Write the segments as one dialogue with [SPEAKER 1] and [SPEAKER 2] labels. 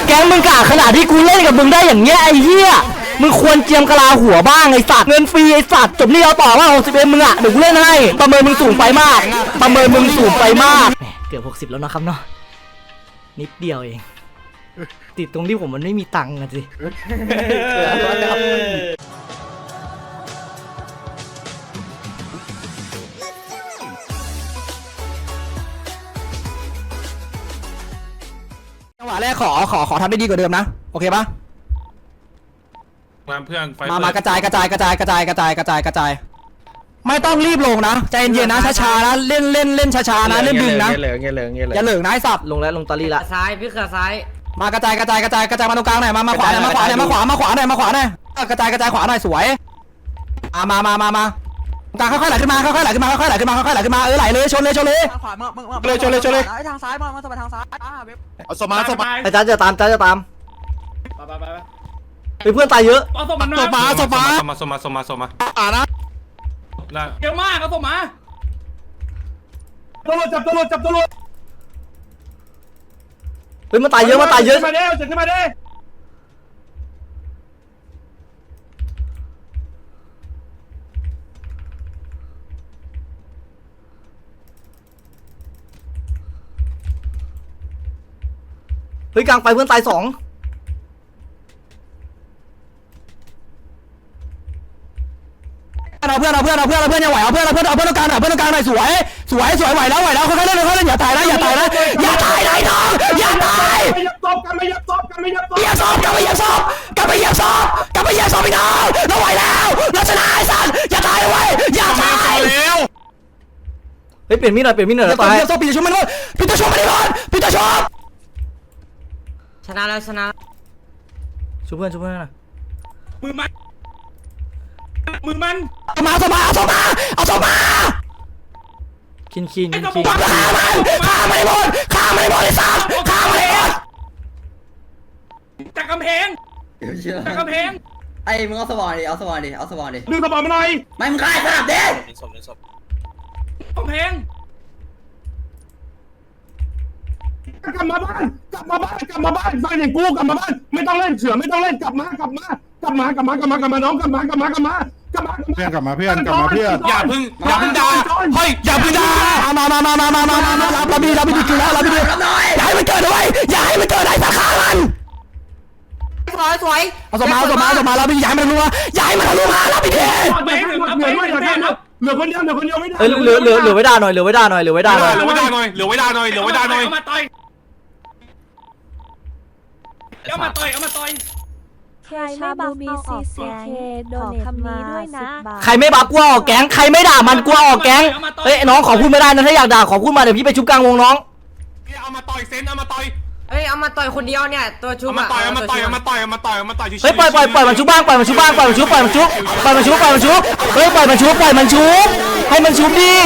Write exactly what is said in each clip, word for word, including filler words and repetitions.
[SPEAKER 1] แก๊งมึงกะขนาดที่กูเล่นกับมึงได้อย่างเงี้ยไอ้เหี้ยมึงควรเจียมกะลาหัวบ้างไอ้สัตว์เงินฟรีไอ้สัตว์จบนี่เอาต่อว่าหกสิบเอ็มมึงอะเดี๋ยวกูเล่นให้ประเมินมึงสูงไปมากประเมินมึงสูงไปมากเกือบหกสิบแล้วนะครับเนาะนิดเดียวเองติดตรงที่ผมมันไม่มีตังค์อะสิจังหวะแรกขอขอขอทำได้ดีกว่าเดิมนะโอเคปะ
[SPEAKER 2] มาเพื่อน
[SPEAKER 1] มามากระจายกระจายกระจายกระจายกระจายกระจายกระจายไม่ต้องรีบลงนะใจเย็นๆนะช้าๆนะเล่นเล่นเล่นช้าๆนะเล่นดึงนะอย่าเหลืองอย่าเหลืองนะไอ้สัตว์ลงแล้วลงตอรี่ละ
[SPEAKER 3] ซ้ายพี่ขาซ้าย
[SPEAKER 1] มากระจายกระจายกระจายกระจายมาตรงกลางหน่อยมามาขวาหน่อยมาขวาหน่อยมาขวามาขวาหน่อยมาขวาหน่อยกระจายกระจายขวาหน่อยสวยมามามามาตรงกลางค่อยๆไหลขึ้นมาค่อยๆไหลขึ้นมาค่อยๆไหลขึ้นมาค่อยๆไหลขึ้นมาเออไหลเลยชนเลยชนเลย
[SPEAKER 4] ทางขวามึงมึง
[SPEAKER 1] เลยชนเลยชนเลย
[SPEAKER 4] ทางซ้ายมามาสบายทางซ้ายอ่าเว็บ
[SPEAKER 2] เอาสมาสมา
[SPEAKER 1] ไอ้จ้าจะตามจ้าจะตาม
[SPEAKER 2] ไปไปไป
[SPEAKER 1] ไปเพื่อนตายเยอะ
[SPEAKER 2] เอาสมาสมาสมาสมาสมาสมาสมาอ่านะเยอะมากเอาสมาตำรวจจับตำรวจจับตำรวจ
[SPEAKER 1] เฮ้ยมันตายเยอะมันตายเยอะ
[SPEAKER 2] มาเด้จับขึ้นมาเด้
[SPEAKER 1] เฮ้ยกลางไปเพื่อนตายสองเอาเพื่อนเอาเพื่อนเอาเพื่อนเอาเพื่อนยังไหวเอาเพื่อนเอาเพื่อนเอาเพื่อนตรงกลางหน่อยเพื่อนตรงกลางหน่อยสวยสวยสวยไหวแล้วไหวแล้วค่อยๆเล่นค่อยๆเล่นอย่าตายนะอย่าตายนะอย่าตายนะน้องอย่าตาย
[SPEAKER 2] ไม่ยับศพกันไม่ยับศพกันไม่ยับศพ
[SPEAKER 1] อย่าศพกลับไปอย่าศพกลับไปอย่าศพกลับไปอย่าศพพี่น้องเราไหวแล้วเราชนะไอ้สัตว์อย่าตายเว้ยอย่าตาย
[SPEAKER 2] แล้ว
[SPEAKER 1] เฮ้ยเปลี่ยนมีดหน่อยเปลี่ยนมีดหน่อยแล้วตายอย่าศพปีจะชุบมันด้วยปีจะชุบมันดิบอลปีจะชุบ
[SPEAKER 3] ชนะแล้วชนะ
[SPEAKER 1] ชุบเพื่อนชุบเพื่อนนะ
[SPEAKER 2] มือมันมือมัน
[SPEAKER 1] เอามาเอามาเอามาเอามาคินคินคินฆ่ามันฆ่ามันหมดฆ่ามันหมดไอ้สัตว์ฆ่ามันหมด
[SPEAKER 2] จากกำแพงจากกำแพง
[SPEAKER 4] ไอ้มึงเอาสว่านดิเอาสว่านดิเอาสว่านดิ
[SPEAKER 2] ดึงสว่านมาหน่อย
[SPEAKER 4] ไม่มึงฆ่าไอ้สัตว์เด็ก
[SPEAKER 2] กำแพงกลับมาบ้านกลับมาบ้านกลับมาบ้านบ้านอย่างกูกลับมาบ้านไม่ต้องเล่นเสือไม่ต้องเล่นกลับมากลับมากลับมากลับมากลับมากลับมาน้องกลับมากลับมากลับมากลับมา
[SPEAKER 5] เพื่อนกลับมาเพื่อนกลับมาเพื่อน
[SPEAKER 2] อย่าพึ่งอย่าพึ่งด่าเฮ้ยอย่าพึ่งด่า
[SPEAKER 1] มามามามามามามารับรับดีรับดีกินแล้วรับดีอย่าให้มันเกิดด้วยอย่าให้มันเกิดไอ้สักข้ามัน
[SPEAKER 3] สวยสวย
[SPEAKER 1] เอาสมาเอาสมาเอาสมารับดีอย่าให้มันรู้ว่าอย่าให้มันรู้ว่ารับดี
[SPEAKER 2] เหลือคนเดียวเหลือคนเดียวไม่ได้
[SPEAKER 1] เอ้ยเหลือเหลือเหลือไว้ด่าหน่อยเหลือไว้ด่าหน่อยเหลือไว้ด่าหน่อย
[SPEAKER 2] เหลือไว้ด่าหน่อยเหลือไว้ด่าหน่อยเหลือไว้ด่าหน่อยเอามาต่อยเอามาต่อยเอามาต่อย
[SPEAKER 6] ใครไม่บัฟมีซีซีเคโดนคำนี้ด้วยนะ
[SPEAKER 1] ใครไม่บัฟกลัวออกแก๊งใครไม่ด่ามันกลัวออกแก๊งเฮ้ยน้องขอพูดไม่ได้นะถ้าอยากด่าขอพูดมาเดี๋ยวพี่ไปชุบกลางวงน้อง
[SPEAKER 2] เอามาต่อยเซนเอามาต่อย
[SPEAKER 3] เอ้ยเอามาต่อยคนเดียวเนี่ยตัวชุบ
[SPEAKER 2] เอามาต่อยเอามาต่อยเอามาต่อยเอามาต่อยเอามาต่อย
[SPEAKER 1] เฮ้ยปล่อยปล่อยปล่อยมันชุบบ้างปล่อยมันชุบบ้างปล่อยมันชุบปล่อยมันชุบปล่อยมันชุบปล่อยมันชุบเฮ้ยปล่อยมันชุบปล่อยมันชุบให้มันชุบดิ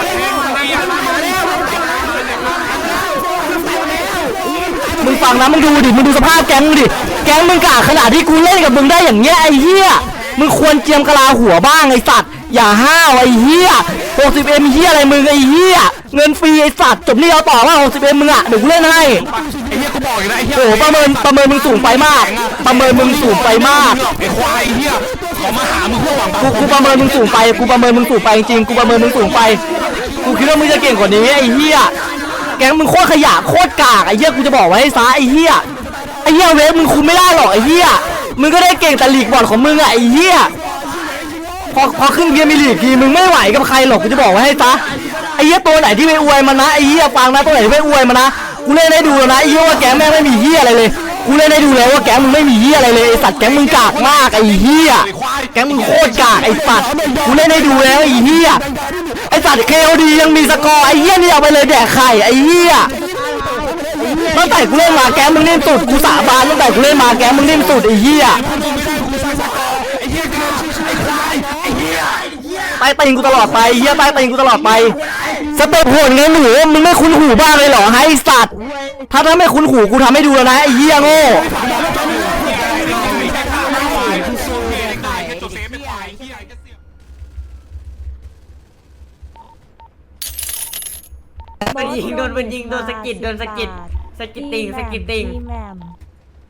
[SPEAKER 1] มึงฟังนะมึงดูดิมึงดูสภาพแก๊งดิแก๊งมึงกะขนาดที่กูเล่นกับมึงได้อย่างเงี้ยไอ้เหี้ยมึงควรเจียมกะลาหัวบ้างไอ้สัตว์อย่าห้าวไอ้เหี้ยหกสิบเอ็มเหี้ยอะไรมึงไอ้เหี้ยเงินฟรีไอ้สัตว์จบนี่เอาต่อว่าหกสิบเอ็มมึงอะเดี๋ยวกูเล่นให้
[SPEAKER 2] ไอ้เหี้ยกูบอกอยู่นะไอ้เหี้ย
[SPEAKER 1] โอ้ประเมินประเมินมึงสูงไปมากประเมินมึงสูงไปมาก
[SPEAKER 2] ไอ้ควายไอ้เหี้ยเขามาหามึงเพื่อหวัง
[SPEAKER 1] กูกูประเมินมึงสูงไปกูประเมินมึงสูงไปจริงกูประเมินมึงสูงไปกูคิดว่ามึงจะเก่งกว่านี้ไอ้เหี้ยแก๊งมึงโคตรขยะโคตรกากไอ้เหี้ยกูจะบอกไว้ให้ซะไอ้เหี้ยไอ้เหี้ยเวฟมึงคุมไม่ได้หรอกไอ้เหี้ยมึงก็ได้เก่งแต่ลีกบอลของมึงอะไอ้เหี้ยพอพอขึ้นเกียร์มีลีกทีมึงไม่ไหวกับใครหรอกกูจะบอกไว้ให้ซะไอ้เหี้ยตัวไหนที่ไม่อวยมันนะไอ้เหี้ยฟังนะตัวไหนที่ไม่อวยมันนะกูเล่นได้ดูแล้วนะไอ้เหี้ยว่าแก๊งแม่งไม่มีเหี้ยอะไรเลยกูเล่นได้ดูแล้วว่าแก๊งมึงไม่มีเหี้ยอะไรเลยไอ้สัตว์แก๊งมึงกากมากไอ้เหี้ยแก๊งมึงโคตรกากไอ้สัตว์กูเล่นได้ดูแล้วไอ้เหี้ยไอ้สัตว์เคโอดียังมีสกอร์ไอ้เหี้ยนี่เอาไปเลยแดกไข่ไอ้เหี้ยตั้งแต่กูเล่นมาแก๊งมึงนิ่มสุดกูสาบานตั้งแต่กูเล่นมาแก๊งมึงนิ่มสุดไอ้เหี้ยใต้ตีนกูตลอดไปเหี้ยใต้ตีนกูตลอดไปสเต็ปโหดไงหนูมึงไม่คุ้นหูบ้างเลยเหรอให้สัตว์ถ้าถ้าไม่คุ้นหูกูทำให้ดูแล้วนะไอ้เหี้ยโง่
[SPEAKER 3] โดนยิงโดนเป็นยิงโดนสกิดโดนสกิดสกิดติงสกิดติง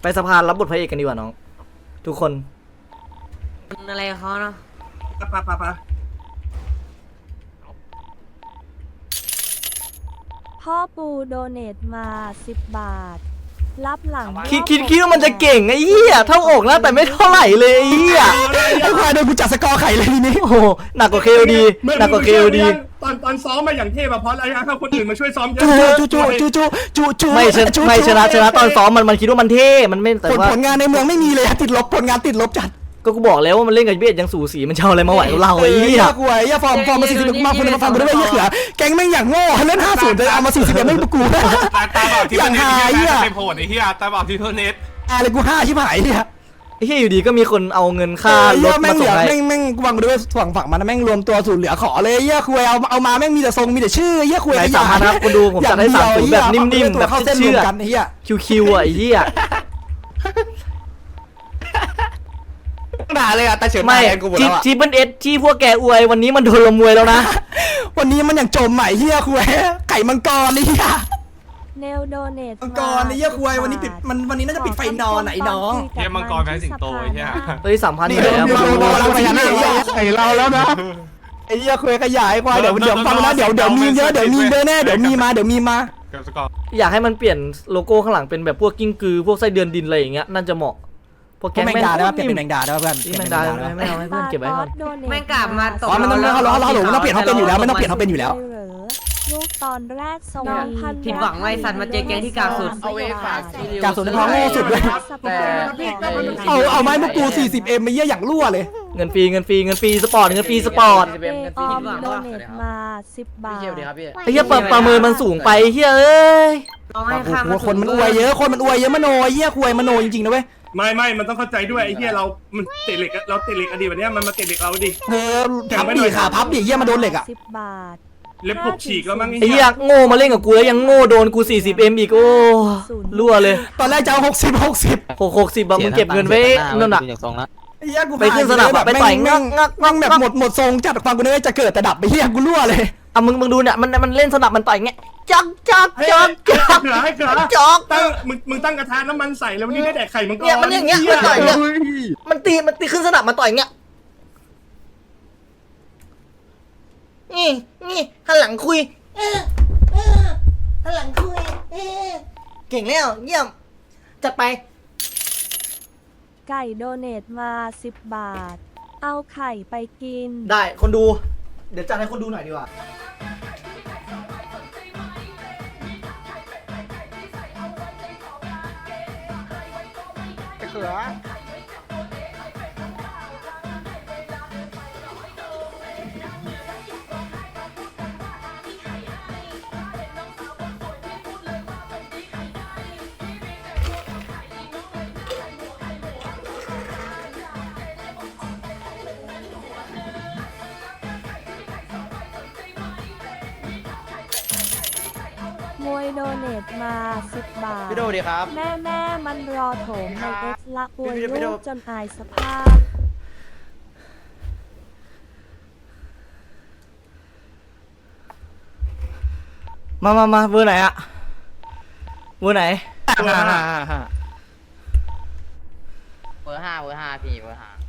[SPEAKER 1] สภารับบทพระเอกกันดีกว่าน้อง ทุกคน
[SPEAKER 3] อะไรกับเขาเนาะ
[SPEAKER 2] ปะปะปะปะ
[SPEAKER 6] พ่อปูโดเนทมาสิบบาท รับหลัง
[SPEAKER 1] คิดคิดคิดว่ามันจะเก่งไอ้เหี้ยเท่าอกนะแต่ไม่เท่าไหร่เลยไอ้เหี้ย
[SPEAKER 5] ไอ้ควายโดนกูจัดสกอร์ไข่เลยทีนี้
[SPEAKER 1] โอ้โหหนักกว่าเคโอดีหนักกว่าเคโอดี
[SPEAKER 2] ตอนตอนซ้อมมาอย่างเทพอะเพราะอะไรฮะถ้าคนอื่นมาช่วยซ้อมเย
[SPEAKER 5] จู
[SPEAKER 2] อะ
[SPEAKER 5] จูจูจูจูจูจู
[SPEAKER 1] ไม่ชนะไม่ชนะชนะตอนซ้อมมันมันคิดว่ามันเท่มันไม่แต่
[SPEAKER 5] ผล
[SPEAKER 1] ว่า
[SPEAKER 5] ผลงานในเมืองไม่มีเลยอะติดลบผลงานติดลบจัด
[SPEAKER 1] ก็กูบอกแล้วว่ามันเล่นกับเบียดยังสูสีมันจะเอาอะไรมาไหวกับเราไอ้เหี้ย
[SPEAKER 5] กูไอ้เหี้ยฟอร์มฟอร์มมาสี่สิบมาคุณมาฟังกูด้วยเหี้ยเขือแก๊งแม่งอย่างโง่เล่นห้าศูนย์จะเอามาสี่สิบไม่กู
[SPEAKER 7] ตาตาบอดที่
[SPEAKER 5] อย่าง
[SPEAKER 7] เน็ต
[SPEAKER 5] หาย
[SPEAKER 7] เฮีย
[SPEAKER 5] อ่ะ
[SPEAKER 7] เป็นโผล่ไอ้เฮียตาบอดที่เน็ต
[SPEAKER 5] อะไรกูห้าชิบหายเนี่ย
[SPEAKER 1] ไอ้เหี้ยอยู่ดีก็มีคนเอาเงินค่ารถ
[SPEAKER 5] แม่
[SPEAKER 1] มาง
[SPEAKER 5] เห
[SPEAKER 1] ส่
[SPEAKER 5] ลื
[SPEAKER 1] ง
[SPEAKER 5] อ
[SPEAKER 1] ให้
[SPEAKER 5] แม่งแม่งกูฟังกูด้วยฝั่งฝั่งมันแม่งรวมตัวสูตรเหลือขอเลยเหี้ยคุยเอาเอามาแม่งมีแต่ทรงมีแต่ชื่อเหี้ยคุย
[SPEAKER 1] ไหนสามพันครับคุณดูผมจัดให้สามศูนย์แบบนิ่มๆแบบ
[SPEAKER 5] เข้าเส้นรว
[SPEAKER 1] เชื่
[SPEAKER 5] ม
[SPEAKER 1] อ
[SPEAKER 5] กันเหี้ย
[SPEAKER 1] คิวคิวอ่ะไอ้เหี้ย
[SPEAKER 5] ด่าเลยอะตาเฉิน
[SPEAKER 1] ไม่
[SPEAKER 5] กูหมด
[SPEAKER 1] ที่
[SPEAKER 5] แล้วอะ
[SPEAKER 1] ที่เบิ้ลเอสที่พวกแกอวยวันนี้มันโดนลมวยแล้วนะ
[SPEAKER 5] วันนี้มันอย่างจมใหม่เหี้ยคุยไก่มังกรนี่เหี้ย
[SPEAKER 6] เนลโดเนท
[SPEAKER 5] มังกรไอ้เหี้ยคุยวันนี้ปิดมันวันนี้น่าจะปิดไฟนอนไหนน้อง
[SPEAKER 7] เฮียมังกรแพ้สิงโตไอ้เฮีย
[SPEAKER 1] เฮ้ยสามพัน
[SPEAKER 5] นี่
[SPEAKER 1] ไปแล้ว
[SPEAKER 5] เดี๋ยวเดี๋ยวเดี๋ยว
[SPEAKER 2] พญานาคใส่เราแล้วนะ
[SPEAKER 5] ไอ้เหี้ยคุยขยายควายเดี๋ยวเดี๋ยวฟังนะเดี๋ยวเดี๋ยวมีเยอะเดี๋ยวมีเยอะแน่เดี๋ยวมีมาเดี๋ยวมีมา
[SPEAKER 7] เก็บสกอร์
[SPEAKER 1] อยากให้มันเปลี่ยนโลโก้ข้างหลังเป็นแบบพวกกิ้งกือพวกไส้เดือนดินอะไรอย่างเงี้ยน่าจะเหมาะพวก
[SPEAKER 5] แก
[SPEAKER 1] แก๊ง
[SPEAKER 5] แมง
[SPEAKER 1] แม่ง
[SPEAKER 5] ดาได้ป่ะเปลี่ยนเป็นแมงดาได้ป่ะเพื่อน
[SPEAKER 1] นี่แมงดาไม่ไม่เอาให้เพื่อนเก็บไว้ก่อน
[SPEAKER 3] แม่งกลับมาตก
[SPEAKER 5] อ๋อมันต้องเราเราเราเราต้องเปลี่ยนเขาเป็นอยู่แล้วไม่ต้องเปลี่ยนเขาเป็นอยู่แล้ว
[SPEAKER 6] เหรอลูกตอนแรกสวี
[SPEAKER 3] ผิดหวังไว้สัตว์มาเจอแกงที่กลางสุด
[SPEAKER 6] เอาเวฝาก
[SPEAKER 5] กลางสุดในท้องโง่สุดเลย เอาเอาไม้มากู สี่สิบเอ็มไม่เยี่ยอย่างรั่วเลย
[SPEAKER 1] เงินฟรีเงินฟรีเงินฟรีสปอร์ตเงินฟรีสปอร์ต
[SPEAKER 6] เอออมโดเนทมาสิบบาท
[SPEAKER 1] ไอ้เหี้ยประประเมินมันสูงไปเฮ้ยเอ้ย
[SPEAKER 3] ต้องให้ข้าม
[SPEAKER 5] โอ้โหคนมันอวยเยอะคนมันอวยเยอะมโนเยี่ยควยมโนจริงๆนะเว้ย
[SPEAKER 2] ไม่ไม่มันต้องเข้าใจด้วยไอ้เหี้ยเรา มันเตะเหล็กเราเตะเหล็กอดีตวันนี้มันมาเตะเหล็กเราดิ
[SPEAKER 5] เออพับดิขาพับดิเยี่ยมาโดนเหล็กอ่ะ
[SPEAKER 6] สิบบาท
[SPEAKER 2] เล็บปลุกฉีกแล้วมั้ง
[SPEAKER 1] ไอ้เหี้ยโง่มาเล่นกับกูแล้วยังโง่โดนกู สี่สิบเอ็ม อีกโอ้รั่วเลย
[SPEAKER 5] ตอนแรกจะเอาหกสิบหกสิบ
[SPEAKER 1] หกหกสิบอะมึงเก็บเงินไว้นั่นน่ะ
[SPEAKER 5] เยี่ยกู
[SPEAKER 1] ไปขึ้นสนามอะไปต่อยงักงักงั
[SPEAKER 5] นั่
[SPEAKER 1] ก
[SPEAKER 5] ง
[SPEAKER 1] งั
[SPEAKER 5] แบบ
[SPEAKER 1] ก
[SPEAKER 5] หมดหมดทรงจัดฟังกูเนี่ยจะเกิดแต่ดับไปเยี่ยกูรั่วเลย
[SPEAKER 1] อ่ะมึงมึงดูเนี่ยมันมันเล่นสนับมันต่อยเงี้ยจักจัก
[SPEAKER 2] ให้
[SPEAKER 1] จักจัก
[SPEAKER 2] เขือให้เขือ
[SPEAKER 1] จัก
[SPEAKER 2] ตั้งมึงมึงตั้งกระทะน้ำมันใส่แล้ววันนี้ได้แดกไข่มังกร
[SPEAKER 1] เนี่ยมันอย่างเงี้ยมันต่อยเงี้ยมันตีมันตีขึ้นสนับมันต่อยเงี้ยนี่นี่หันหลังคุยเออเออหันหลังคุยเออเก่งแล้วเยี่ยมจัดไป
[SPEAKER 6] ไก่โดเนทมาสิบบาท เอาไข่ไปกิน
[SPEAKER 1] ได้คนดู เดี๋ยวจัดให้คนดูหน่อยดีกว่า
[SPEAKER 6] มวยโดเนทมาสิบบาท
[SPEAKER 4] พี่โดดีครับ
[SPEAKER 6] แม่แม่มันรอโถมในเอ็กซ์ละอวย
[SPEAKER 4] พี่โด
[SPEAKER 6] ลูกจนอายสภาพ
[SPEAKER 1] มามามาเบอร์ไหนอะเบอร์ไหน
[SPEAKER 4] เบอร์ห้าเบอร์ห้าพี่เบอร์ห้า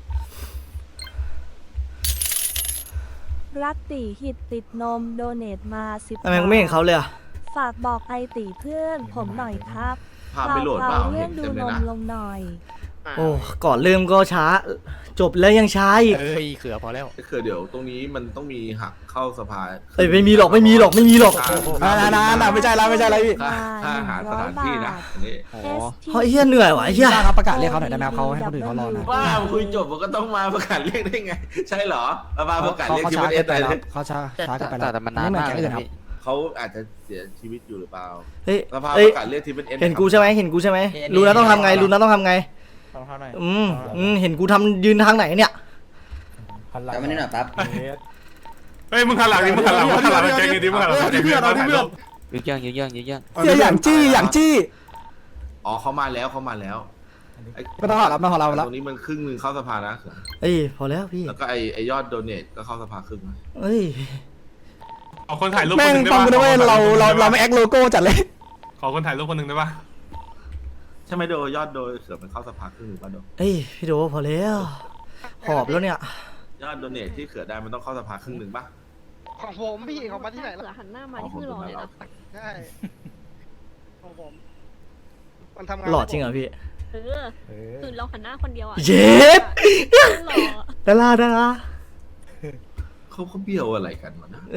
[SPEAKER 6] รักตีหิตติดนมโดเนทมาสิบ
[SPEAKER 1] ทำไมกูไม่เห็นเขาเลยอะ
[SPEAKER 6] ฝากบอกไอตีเพื่อนผมหน่อยครับ
[SPEAKER 8] ภาพไม่โหลดเปล่า
[SPEAKER 6] เรื่
[SPEAKER 8] เห็
[SPEAKER 6] อง
[SPEAKER 8] น
[SPEAKER 6] ดู
[SPEAKER 8] เต็มเล
[SPEAKER 6] น
[SPEAKER 8] ย
[SPEAKER 6] ม
[SPEAKER 8] นะ
[SPEAKER 6] ลงหน่อย
[SPEAKER 1] โอ้ก่อนเริ่มก็ช้า จบแล้วยังช้าอีก
[SPEAKER 8] ก็คือเดี๋ยวตรงนี้มันต้องมีหักเข้าสภา
[SPEAKER 1] เอ้ยไม่มีหรอกไม่มีหรอกไม่มีหรอก
[SPEAKER 5] อ่านานานาไม่ใช่แล้วไม่ใช่แล้วพี่
[SPEAKER 8] ค่าค่าอาหารสถานที่นะอันนี่
[SPEAKER 1] เฮ้ยเหี้ยเหนื่อยว่ะไอ้เหี้ย
[SPEAKER 5] ครับประกาศเรียกเขาหน่อยได้ไหมครับเขาให้คนอื่นเขารอนะ
[SPEAKER 8] ว้าคุยจบมันก็ต้องมาประกาศเรียกได้ไง ใช่เหรอมาประกาศ
[SPEAKER 5] เขา
[SPEAKER 8] เรียก
[SPEAKER 5] เขา
[SPEAKER 8] ที่
[SPEAKER 5] ช้า
[SPEAKER 8] ประเท
[SPEAKER 5] เกิ
[SPEAKER 8] ศ
[SPEAKER 5] น
[SPEAKER 8] ไท
[SPEAKER 5] ไป
[SPEAKER 8] ย
[SPEAKER 5] แล้วเขาช้าช้าเกินไปแล้ว
[SPEAKER 4] แต่มันนาน
[SPEAKER 5] ไม่เหมือน
[SPEAKER 4] มาก
[SPEAKER 5] แก๊ง
[SPEAKER 4] เล
[SPEAKER 5] อื่
[SPEAKER 4] ย
[SPEAKER 5] นครับ
[SPEAKER 4] พี่
[SPEAKER 8] เขาอาจจะเสียชีวิตอยู่หรือเปล่า
[SPEAKER 1] เฮ้ย
[SPEAKER 8] สภา
[SPEAKER 1] เฮ้
[SPEAKER 8] ป
[SPEAKER 1] ย
[SPEAKER 8] ระกาศเรียกที่เป็นเอ็น
[SPEAKER 1] เห็นกูใช่ไหมเห็นกูใช่ไหมรู้นะต้องทำไงรู้นะต้องทำไงอืมอืมเห็นกูทำยืนทางไหนเนี่ย
[SPEAKER 4] แต่ไม่ได้หน่อยแป๊บ
[SPEAKER 7] เฮ้ยมึงหันหลังดิมึงหันหลังมึงหันหลังแจ้งดิมึงหันหลังแจ้งดิมึงหันหลังถ่ายรูป
[SPEAKER 4] ยืดเยื่องยืดเยื่องยืดเยื่อง
[SPEAKER 5] เสียอย่างจี้อย่างจี้
[SPEAKER 8] อ๋อเขามาแล้วเขามาแล้วไอ้
[SPEAKER 5] ไม่ต้องหอรับไม่ต้องหอรับแล้ว
[SPEAKER 8] ตรงนี้มันครึ่งหนึ่งเข้าสภานะ
[SPEAKER 1] เอ้ยพอแล้วพี่
[SPEAKER 8] แล้วก็ไอไอยอดโดเนทก็เข้าสภาครึ่งนะ
[SPEAKER 1] เอ้ย
[SPEAKER 7] ขอคนถ่ายรูปค
[SPEAKER 5] แม่
[SPEAKER 7] น
[SPEAKER 5] ง
[SPEAKER 7] หนึ่งได้
[SPEAKER 5] ฟัง
[SPEAKER 7] ปะ
[SPEAKER 5] กูด้วยเราเราเราไม่แอคโลโก้จัดเลย
[SPEAKER 7] ขอคนถ่ายรูปคนหนึ่งได้ปะ
[SPEAKER 8] ใช่ไหมโดยอดโดยเสือมันเข้าสภาครึ่งหนึ่งป่ะโด
[SPEAKER 1] เอ้ยพี่โดพอแล้วหอบแล้วเนี่ย
[SPEAKER 8] ยอดโดเนทที่เขือได้มันต้องเข้าสภาครึ่งหนึ่งป่ะ
[SPEAKER 9] ของผมพี่ของมาที่ไหน
[SPEAKER 10] เสือ
[SPEAKER 9] ล่ะ
[SPEAKER 10] หันหน้ามาที่คือรอเลยนะ
[SPEAKER 9] ใช่ของผมมันทำงาน
[SPEAKER 1] หล่อจริงเหรอพี่
[SPEAKER 10] เออคือเราหันหน้าคนเดียวอ่ะ
[SPEAKER 1] เย็ด
[SPEAKER 10] หล่อ
[SPEAKER 1] ดาราดารา
[SPEAKER 8] เขาเขาเบี้ยวอะไรกันวะนะ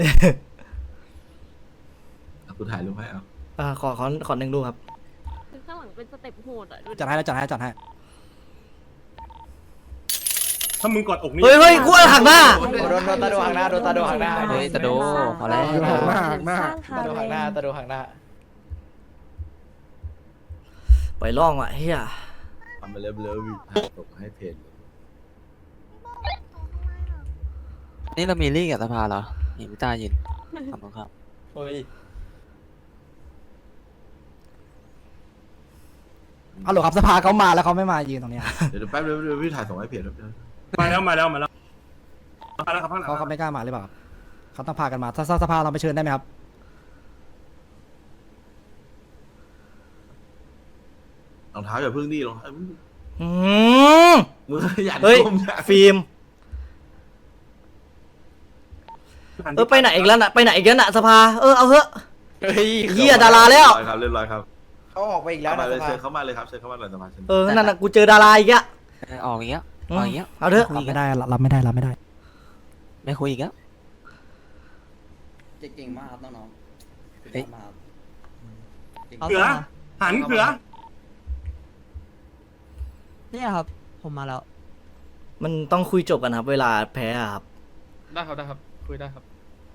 [SPEAKER 8] เอากูถ่ายรูปให้เอา
[SPEAKER 1] อ่าขอขอขอหนึ่งรูปครับ
[SPEAKER 10] คือข้างหลังเป็นสเต็ปโหดอ่ะดูดิ
[SPEAKER 5] จัดให้แล้วจัดให้จัดให้
[SPEAKER 2] ถ้ามึงกดอกนี่
[SPEAKER 1] เฮ้ยเฮ้ยกูหักหน้า
[SPEAKER 4] โดนโดนตาโดหักหน้าโดนตาโดหักหน้าเฮ้ยตาโดพอแล้ว
[SPEAKER 5] หักหน้าหักหน้า
[SPEAKER 4] ตาโดหักหน้าตาโดหักหน้า
[SPEAKER 1] ไปล่องว่ะเฮีย
[SPEAKER 8] ทำไปเริ่มเริ่มถ่ายส่งให้เพจ
[SPEAKER 4] นี่เรามีลี่กับสภาเหรอนี่พี่ตายินขอบคุณครับเฮ้ย
[SPEAKER 5] เอาหรอครับสภาเขามาแล้วเขาไม่มายืนตรงเนี้ย
[SPEAKER 8] เดี๋ยวแป๊บเดียวเดี๋ยวพี่ถ่ายส่งให้เพจแล้ว
[SPEAKER 2] มาแล้วมาแล้วมาแล้วมาแล้วครับข้างหลัง
[SPEAKER 5] เขาเขาไม่กล้ามาหรือเปล่าเขาต้องพากันมาถ้าสภาเราไปเชิญได้ไหมครับ
[SPEAKER 8] รองเท้าอย่าพึ่งดิรองเท้า
[SPEAKER 1] อืม
[SPEAKER 8] มืออย่า
[SPEAKER 1] เฮ้ย
[SPEAKER 8] ก้มนะ
[SPEAKER 1] ฟิล์มเออไปไหนอีกแล้วน่ะไปไหนอีกแล้วน่ะสภาเออเอาเถอะ
[SPEAKER 4] เฮ้ย
[SPEAKER 1] เฮียดาราแล้ว
[SPEAKER 8] เรียบร้อยครับเรียบร้อยครับ
[SPEAKER 4] เขาออกไปอีกแล้ว
[SPEAKER 8] เข้า
[SPEAKER 4] นะ
[SPEAKER 8] มาเลย
[SPEAKER 4] สภา
[SPEAKER 8] เชิญเข้ามาเลยครับเชิญเข้ามาเลยสภาเชิญ
[SPEAKER 1] เออนั่นน่ะกูเจอดาราอีกอะ
[SPEAKER 4] ออกอย่างเงี้ยอ
[SPEAKER 1] อื
[SPEAKER 4] อก
[SPEAKER 1] ม
[SPEAKER 4] อย่างเงี้ย
[SPEAKER 1] เอาเถอะ
[SPEAKER 5] รับไม่ได้รับไม่ได้รับไม่ได้
[SPEAKER 4] ไม่คุยอีกแล้ว
[SPEAKER 9] เก่งมากครับน้อง
[SPEAKER 4] เฮ้ย
[SPEAKER 2] เขือหันเขือ
[SPEAKER 5] เนี่ยครับผมมาแล้ว
[SPEAKER 1] มันต้องคุยจบกันครับ เวลาแพ้อะครับ
[SPEAKER 7] ได้ครับได้ครับคุยได้ครับ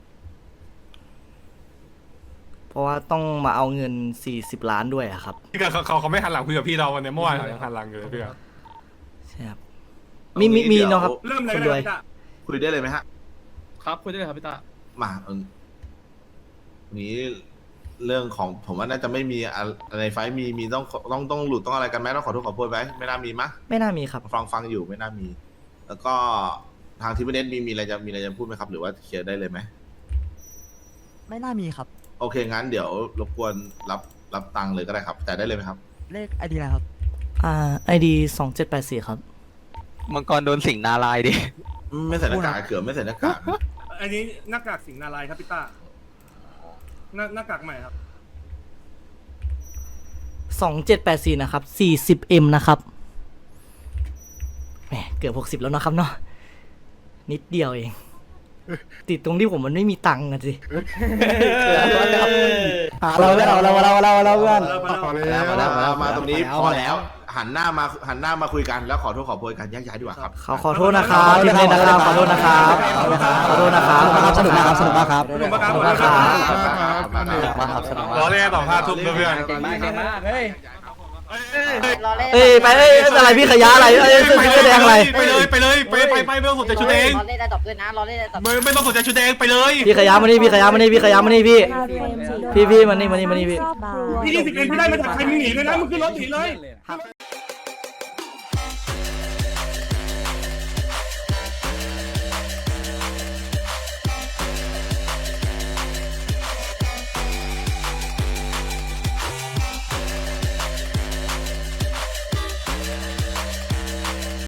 [SPEAKER 1] เพราะว่าต้องมาเอาเงินสี่สิบล้านด้วยอะครับ
[SPEAKER 7] พี่เขาเขาเขาไม่หันหลังคุยกับพี่เราวันนี้เมื่อวานเขายังหันหลังอยู่เลยพี่ครับ
[SPEAKER 1] ใช่ครับมีมีมีเนาะครับ
[SPEAKER 2] เริ่มเลย
[SPEAKER 1] คน
[SPEAKER 2] ก็
[SPEAKER 1] ร
[SPEAKER 2] ได้
[SPEAKER 1] วย
[SPEAKER 2] จ้ะ
[SPEAKER 8] คุยได้เลยไหมฮะ
[SPEAKER 7] ครับคุยได้เลยครับพี่ตา
[SPEAKER 8] มาเออนี้เรื่องของผมว่าน่าจะไม่มีอะไรไฟล์มีมีต้องต้องต้องหลุดต้องอะไรกันไหมต้องขอโทษขอโพยไหมไม่น่ามีมะ
[SPEAKER 1] ไม่น่ามีครับ
[SPEAKER 8] ฟังฟังอยู่ไม่น่ามี แล้วก็ทางทีมเน็ตมีมีอะไรจะมีอะไรจะพูดไหมครับ หรือว่าเคลียร์ได้เลยไหม
[SPEAKER 5] ไม่น่ามีครับ
[SPEAKER 8] โอเคงั้นเดี๋ยวรบกวนรับรับตังค์เลยก็ได้ครับ แต่ได้เลยไหมครับ
[SPEAKER 5] เลขไอดีอะไรครับ
[SPEAKER 1] อ่าไอดีสองเจ็ดแปดสี่ครับ
[SPEAKER 4] มังกรโดนสิงนาลายดิ
[SPEAKER 8] ไม่ใส่หน้ากากเกือบไม่ใส่หน้ากาก
[SPEAKER 2] อันนี้หน้ากากสิงห์นารายณ์ครับพี่ต้าหน้าหน้ากากใหม่ครับ
[SPEAKER 1] สองเจ็ดแปดสี่นะครับสี่สิบเอ็มนะครับแหมเกือบหกสิบแล้วนะครับเนาะนิดเดียวเอง ติดตรงที่ผมมันไม่มีตังค์อะสิ
[SPEAKER 5] เราเราเราเราเราเราเพื่อน
[SPEAKER 8] มาแล้วมาแล้วมาตรงนี้พอแล้ว หันหน้ามาหันหน้ามาคุยกันแล้วขอโทษขอโพยกันแยกย้ายดีกว่าครับ
[SPEAKER 1] ขอขอโทษนะครับทีมเล่นนะครับขอโทษนะครับขอโทษนะครับ
[SPEAKER 5] สนุกมากครับสนุกมากครับ
[SPEAKER 2] ขอบคุณมากครับ
[SPEAKER 1] ขอบคุณครับ
[SPEAKER 4] มาครับสนุก
[SPEAKER 7] รอเล่นต่อห้าทุ่มด้วยเพื่อน
[SPEAKER 4] เก่งมากเก่งมากเฮ้ย
[SPEAKER 1] เอ้ยไปเอ้ยอะไรพี่ขยะอะไรเอ้ยเสื้อเสื้อแดงอะไร
[SPEAKER 7] ไปเลยไปเลยไปไปไปไม่ต้องสนใจชุดเอง
[SPEAKER 9] รอเล่นได้ตบด้วยนะรอเล่นได้ตบ
[SPEAKER 7] ไม่ไม่ต้องสนใจชุดเองไปเลย
[SPEAKER 1] พี่ขยะมานี่พี่ขยะมานี่พี่ขยะมานี่พี่
[SPEAKER 6] คาเฟม
[SPEAKER 1] พี่พี่มานี่มานี่มานี่พี่
[SPEAKER 6] ครอบครัว
[SPEAKER 2] พี่ที่สิบเอ็ดพี่ได้มาจากใครมึงหนีเลยนะมึงขึ้นรถหนีเลย